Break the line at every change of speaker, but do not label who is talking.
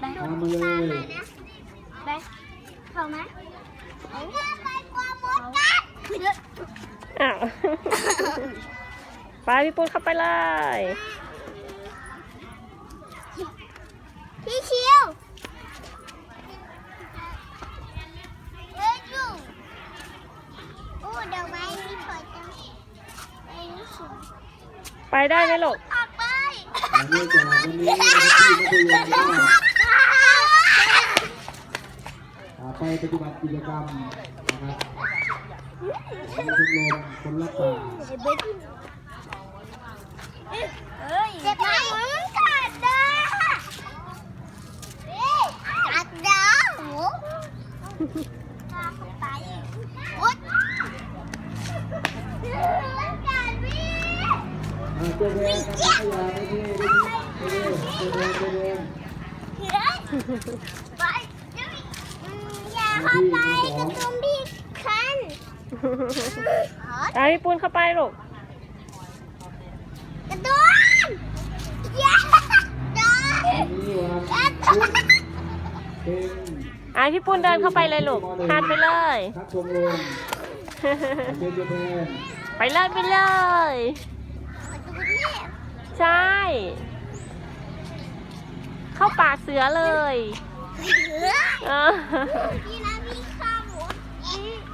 ไป
ตามมาเลย
ไปเข้าไหมไปกว่ามดกัด
อ้าว ไปพี่ปุ้นเข้าไปเลย
พี่ชิวเฮ้ยจูโอ้ดอกไม้นี่สวยจังไอ้นี่สวย
ไปได้ไหมลูก
ออกไป
เนื่องจากวันนี้ที่มัธยมก็ไปปฏิบัติกิจกรรมนะครับชมรมคนรักป่า
เจ็บไหมกัดดากัดดาโอ้ไปโอ๊ยกัดพี่
ตัวแดงครับขยะไม่ดีตัวแดง
ไปอย่าเข้าไปกระตุ้มพี่คัน
ไปพี่ปุ้นเข้าไปลูก
กระตุ้มอย่าโดน
นี่วัน
กระ
พุ
ตุ้
ธ
ม
เป็น
พี่ปุ้นเดินเข้าไปเลยลูกทานไปเลย
ครับชมรมเป็นตัวแทน
ไปเลยไปเลย ใช่ เข้าปากเสือเลย
พี่นะพี่ข้าหมู